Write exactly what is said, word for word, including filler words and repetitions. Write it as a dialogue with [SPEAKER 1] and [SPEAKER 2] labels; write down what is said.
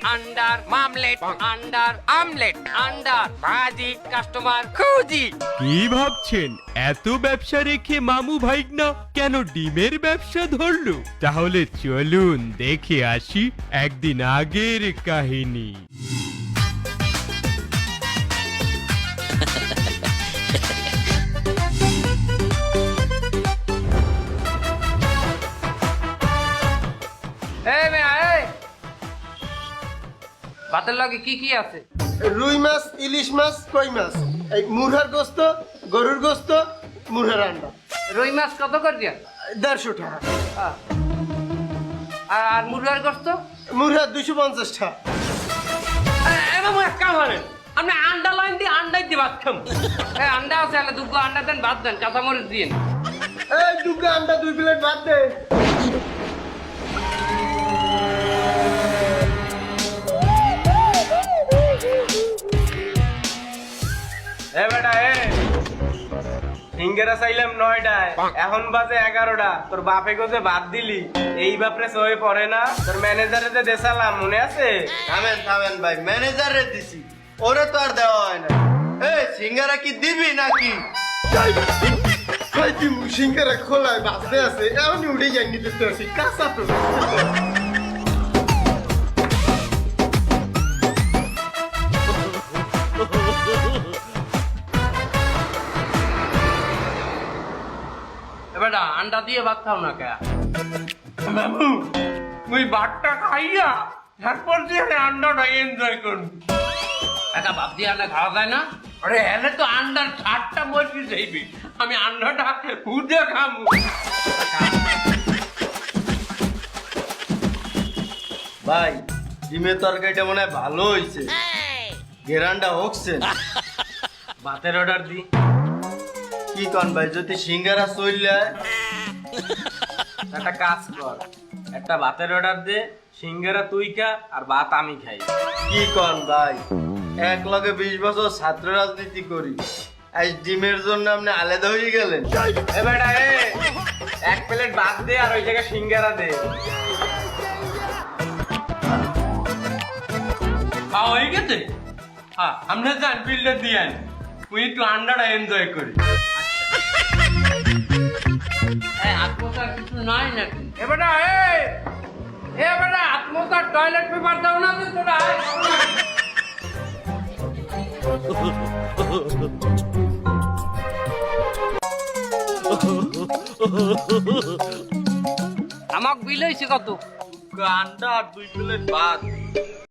[SPEAKER 1] Under omelette, আন্ডার omelette, আন্ডার ভাজি, কাস্টমার খুঁজি।
[SPEAKER 2] কি ভাবছেন এত ব্যবসা রেখে মামু ভাইগনা কেন ডিমের ব্যবসা ধরলো? তাহলে চলুন দেখে আসি একদিন আগের কাহিনী।
[SPEAKER 1] এই মেয়া, এই ভাতের লগে কি কি আছে?
[SPEAKER 3] রুই মাছ, ইলিশ মাছ, কই মাছ, এই মুরহার গোস্ত, গরুর গোস্ত, মুরহার আন্ডা।
[SPEAKER 1] রুই মাছ কত করে দিয়া?
[SPEAKER 3] দেড়শো টাকা।
[SPEAKER 1] আহ। আর মুরগার গোস্ত?
[SPEAKER 3] মুরহার দুইশো পঞ্চাশ টাকা।
[SPEAKER 1] এবার এক কাম করেন, আপনি আন্ডা লাইন দিয়ে আন্ডাই দিয়ে ভাত খাম। এই আন্ডা আছে, আলে দুটো আন্ডা দেন, ভাত দেন, কাঁচামরিচ দিন।
[SPEAKER 3] এই দুটো আন্ডা দুই প্লেট ভাত দে।
[SPEAKER 4] এ বেটা এ সিঙ্গেরা চাইলাম নয়টায়, এখন বাজে এগারোটা। তোর বাপে গোজে বাদ দিলি, এই বাপরে সয়ে পড়ে না? তোর ম্যানেজারে যে দেশালাম মনে আছে?
[SPEAKER 3] থামেন থামেন ভাই, ম্যানেজারে দিছি, ওরে তো আর দেওয়া হয় না। এই সিঙ্গারা কি দিবি নাকি? সিঙ্গারা খোলায় বাজতে আছে, এমনি উঠে যাই নিতে আসি, কাঁচা তো।
[SPEAKER 1] এবার আন্ডা দিয়ে ভাত খাও না কে?
[SPEAKER 4] বাবু তুই ভাতটা খাইয়া তারপর দিয়ে আন্ডাটা এনজয় করবি।
[SPEAKER 1] একা ভাত দিয়ে আন্ডা খাওয়া যায় না? আরে এলে তো আন্ডার ছাড়টা মজবি যাইবি, আমি আন্ডাটা উঠে খাবো।
[SPEAKER 3] ভাই ডিমের তরকারিটা মনে হয় ভালো হয়েছে, গেরান্ডা হচ্ছে।
[SPEAKER 4] ভাতের অর্ডার দি।
[SPEAKER 3] কি কন ভাই, যদি সিঙ্গারা চললে
[SPEAKER 4] একটা কাজ কর, একটা ভাতের অর্ডার দে, সিঙ্গারা তুই খা আর ভাত আমি খাই।
[SPEAKER 3] কি কন ভাই, এক লগে বিশ বছর ছাত্র রাজনীতি করি, আজ ডিমের জন্য আপনি আলাদা হয়ে গেলেন।
[SPEAKER 4] এ বেটা এ এক প্লেট ভাত দে আর ওই জায়গায় সিঙ্গারা দে।
[SPEAKER 1] খাওয়া হয়ে গেছে?
[SPEAKER 4] হ্যাঁ আমরা যান বিলটা দিয়ে তুই একটু আন্ডাটা এনজয় করি।
[SPEAKER 1] এই আত্মতার কিছু নাই নাকি?
[SPEAKER 4] এবারে এ
[SPEAKER 1] এ বেটা আত্মতার টয়লেট পেপার দাও না তো তোরা। আমাক বিল হয়েছে কত?
[SPEAKER 4] আন্ডা আর দুই প্লেট ভাত।